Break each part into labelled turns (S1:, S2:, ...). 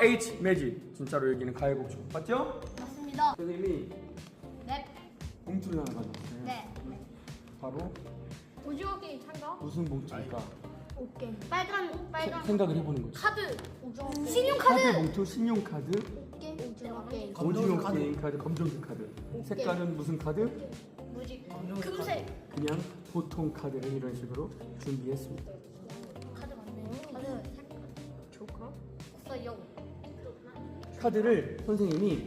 S1: RH 매직. 진짜로 여기는 가해복주. 맞죠?
S2: 맞습니다.
S1: 선생님이
S2: 네.
S1: 봉투를 하나 가져왔어요.
S2: 네.
S1: 바로
S2: 오징어 게임 참가.
S1: 무슨 봉투일까?
S2: 오케이. 빨간
S1: 생각을 해보는 거죠.
S2: 카드. 오징어 게임.
S1: 카드
S2: 신용카드.
S1: 봉투, 신용카드,
S2: 오징어 게임.
S1: 오징어 게임 카드, 검정색 카드. 색깔은 무슨 카드?
S2: 무지. 금색.
S1: 그냥 보통 카드를 이런 식으로 준비했습니다.
S2: 카드 맞네. 카드. 조커. 없어요.
S1: 카드를 선생님이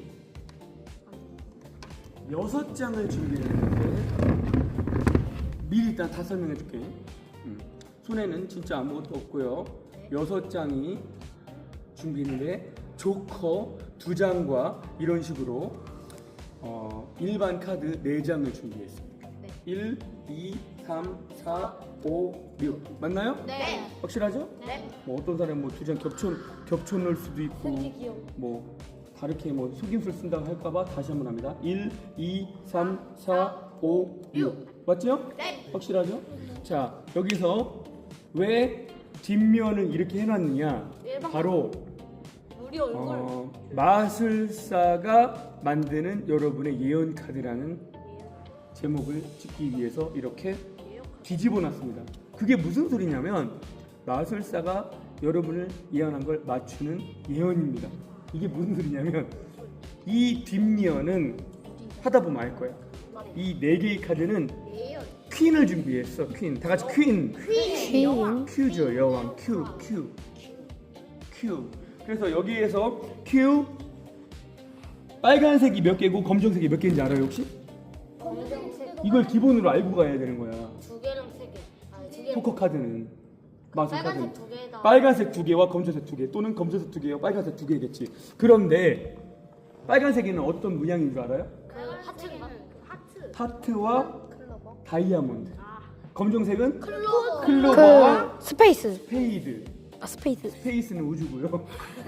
S1: 6장을 준비했는데 미리 일단 다 설명해 줄게. 손에는 진짜 아무것도 없고요. 6장이 준비했는데 조커 2장과 이런 식으로 일반 카드 4장을 준비했습니다.
S2: 네.
S1: 1, 2, 3, 4, 5, 6 맞나요?
S2: 네.
S1: 확실하죠?
S2: 네.
S1: 뭐 어떤 사람은 뭐 2장 겹쳐 넣을 수도 있고
S2: 귀여워.
S1: 뭐 다르게 뭐 속임수를 쓴다고 할까봐 다시 한번 합니다. 1, 2, 3, 4, 5, 6 맞죠?
S2: 네.
S1: 확실하죠? 자 여기서 왜 뒷면을 이렇게 해놨느냐? 바로
S2: 우리 얼굴.
S1: 마술사가 만드는 여러분의 예언 카드라는 제목을 짓기 위해서 이렇게 뒤집어 놨습니다. 그게 무슨 소리냐면 마술사가 여러분을 예언한 걸 맞추는 예언입니다. 이게 무슨 소리냐면 이 뒷면은 하다 보면 알 거야. 이 4개의 카드는 퀸을 준비했어. 퀸. 다 같이 퀸. 큐죠. 여왕. 큐. 그래서 여기에서 큐 빨간색이 몇 개고 검정색이 몇 개인지 알아요 혹시?
S2: 검정색.
S1: 이걸 기본으로 알고 가야 되는 거야.
S2: 2개랑 3개. 아니 2개.
S1: 포커 카드는 마술 카드는
S2: 빨간색 2개다.
S1: 빨간색 2개와 검정색 2개 또는 검정색 2개와 빨간색 2개겠지. 그런데 빨간색에는 어떤 문양인 줄 알아요?
S2: 그 하트인가? 하트.
S1: 하트와
S2: 클로버.
S1: 다이아몬드. 검정색은
S2: 클로버.
S1: 클로버와
S3: 스페이스.
S1: 스페이드.
S3: 스페이스.
S1: 스페이스는 우주고요.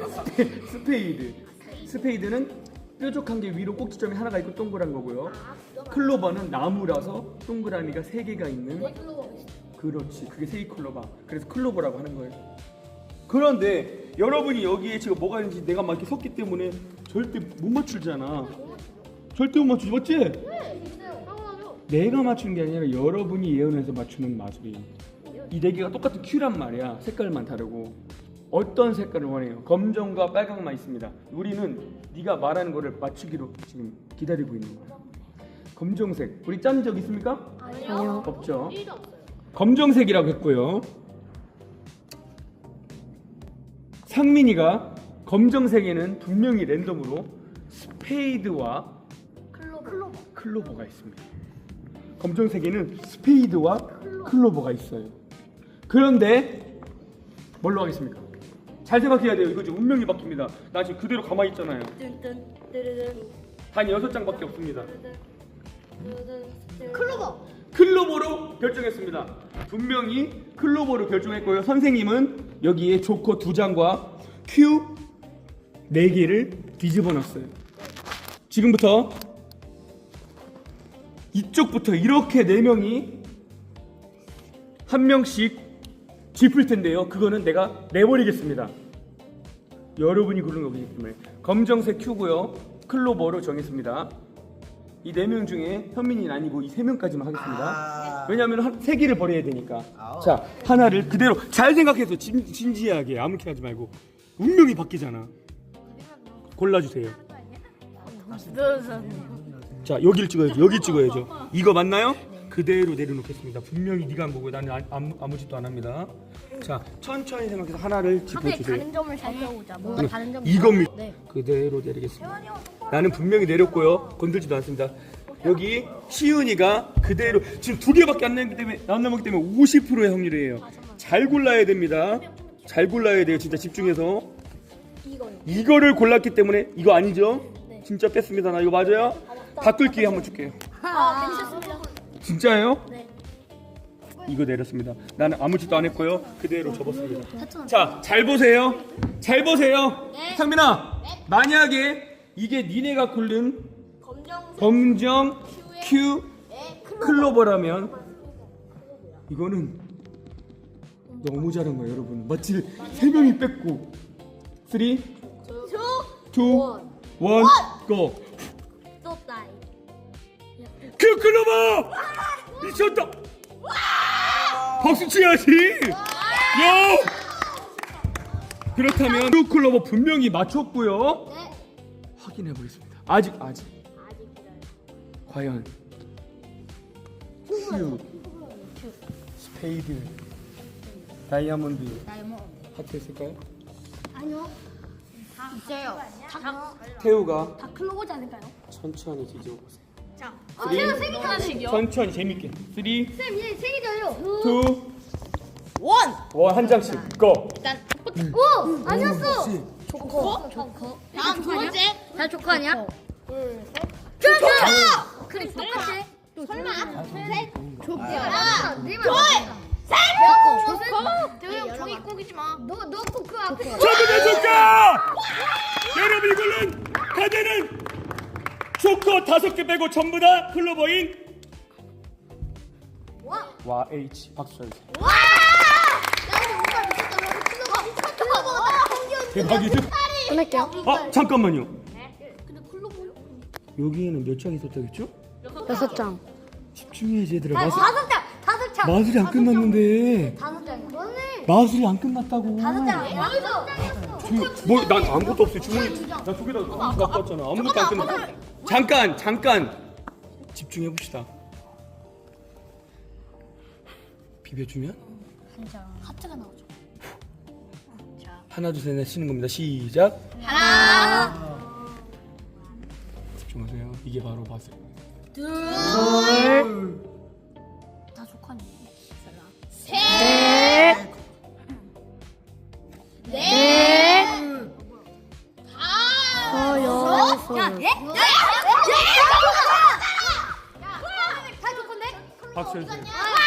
S1: 스페이드는 뾰족한 게 위로 꼭지점이 하나가 있고 동그란 거고요. 클로버는 나무라서 동그라미가 3개가 있는. 그렇지. 그게 세이클로버. 그래서 클로버라고 하는 거예요. 그런데 여러분이 여기에 지금 뭐가 있는지 내가 막 이렇게 섰기 때문에 절대 못 맞추잖아. 절대 못 맞추지, 맞지?
S2: 네. 당연하죠.
S1: 내가 맞추는 게 아니라 여러분이 예언해서 맞추는 마술이에요. 이 4개가 똑같은 큐란 말이야. 색깔만 다르고. 어떤 색깔을 원해요? 검정과 빨강만 있습니다. 우리는 네가 말하는 거를 맞추기로 지금 기다리고 있는 거야. 검정색. 우리 짠 적 있습니까?
S2: 아니요.
S1: 없죠.
S2: 1도 없어요.
S1: 검정색이라고 했고요. 상민이가 검정색에는 분명히 랜덤으로 스페이드와 클로버가 있습니다. 검정색에는 스페이드와 클로버가 있어요. 그런데 뭘로 하겠습니까? 잘 생각해야 돼요. 이거 지금 운명이 바뀝니다. 나 지금 그대로 가만히 있잖아요. 단 6장밖에 없습니다.
S2: 클로버.
S1: 클로버로 결정했습니다. 분명히 클로버로 결정했고요. 선생님은 여기에 조커 2장과 큐 4개를 뒤집어 놨어요. 지금부터 이쪽부터 이렇게 4명이 한 명씩 짚을 텐데요. 그거는 내가 내버리겠습니다. 여러분이 고른 거기 때문에 검정색 큐고요. 클로버로 정했습니다. 이 4명 중에 현민이는 아니고 이 3명까지만 하겠습니다. 왜냐하면 3개를 버려야 되니까. 자, 하나를 그대로 잘 생각해서 진지하게 아무렇게 하지 말고 운명이 바뀌잖아. 골라주세요. 자, 여기를 찍어야죠. 여기 찍어야죠. 이거 맞나요? 그대로 내려놓겠습니다. 분명히 네가 한 거고요. 나는 아무 짓도 안 합니다. 자, 천천히 생각해서 하나를 짚어주세요.
S2: 다른 점을 살펴보자. 뭔가 다른 점.
S1: 이겁니다.
S2: 네.
S1: 그대로 내리겠습니다. 나는 분명히 내렸고요. 건들지도 않습니다. 여기 시은이가 그대로 지금 2개밖에 안 남았기 때문에 50%의 확률이에요. 잘 골라야 됩니다. 잘 골라야 돼요. 진짜 집중해서. 이거를 골랐기 때문에 이거 아니죠? 진짜 뺐습니다. 나 이거 맞아요? 바꿀 기회 한번 줄게요.
S2: 괜찮습니다.
S1: 진짜예요?
S2: 네.
S1: 이거 내렸습니다. 나는 아무 짓도 안 했고요. 그대로 접었습니다. 자, 잘 보세요. 잘 보세요.
S2: 네.
S1: 상민아, 만약에 이게 니네가 고른
S2: 검정색.
S1: 검정 큐
S2: 네.
S1: 클로버라면 이거는 너무 잘한 거예요, 여러분. 맞지? 3명이 뺐고 3, 2, 1 1, 고.
S2: 또 따이.
S1: 클로버 미쳤다. 박수 치야지. 야. 그렇다면 큐 클로버 분명히 맞췄고요.
S2: 네.
S1: 확인해 보겠습니다. 아직
S2: 아직 기다려.
S1: 과연 큐 스페이드 다이아몬드
S2: 다이아몬드.
S1: 하트 있을까요?
S2: 아니요. 있어요.
S1: 태우가
S2: 다 클로버지 않을까요?
S1: 천천히 뒤집어 보세요.
S2: 자.
S1: 제가
S2: 세 개잖아요.
S1: 천천히 재밌게 3, 2,
S2: 쌤, 얘세 개잖아요.
S1: 1 한 장씩 고.
S2: 일단 오! 아니었어. 조커. 다음 두 번째. 다 조커 아니야? 둘, 셋. 조커! 그래, 똑같아. 설마? 셋. 조커. 네말 조커. 대형 종이 꼬기지 마. 너꼭 그 앞에.
S1: 전부 다 조커! 여러분 이걸로 가게는 조커 5개 빼고 전부 다 클로버인 와 H 박수 쳐주세요.
S2: 와! 나 오빠 미쳤다. 클로버.
S1: 대박이죠?
S2: 끝낼게요.
S1: 아 잠깐만요.
S2: 근데 클로버요?
S1: 여기에는 몇 장 있었다고 했죠?
S2: 6장.
S1: 집중해야지 얘들아.
S2: 5장.
S1: 마술이 안 끝났는데.
S2: 5장이야. 너네.
S1: 마술이 안 끝났다고.
S2: 5장. 여기서.
S1: 뭐난 아무것도 없어요. 주머니 나 저기다 갖고 왔잖아. 아무것도 안 끝났어. 잠깐 집중해 봅시다. 비벼주면
S2: 하트가 나오죠.
S1: 하나 둘 셋 넷 쉬는 겁니다. 시작.
S2: 하나.
S1: 집중하세요. 이게 바로 마술.
S2: 둘. 다 조커니. 셋. 넷. 다섯. 야, 예? 다 조커인데?
S1: 박수 해주세요.
S2: 아,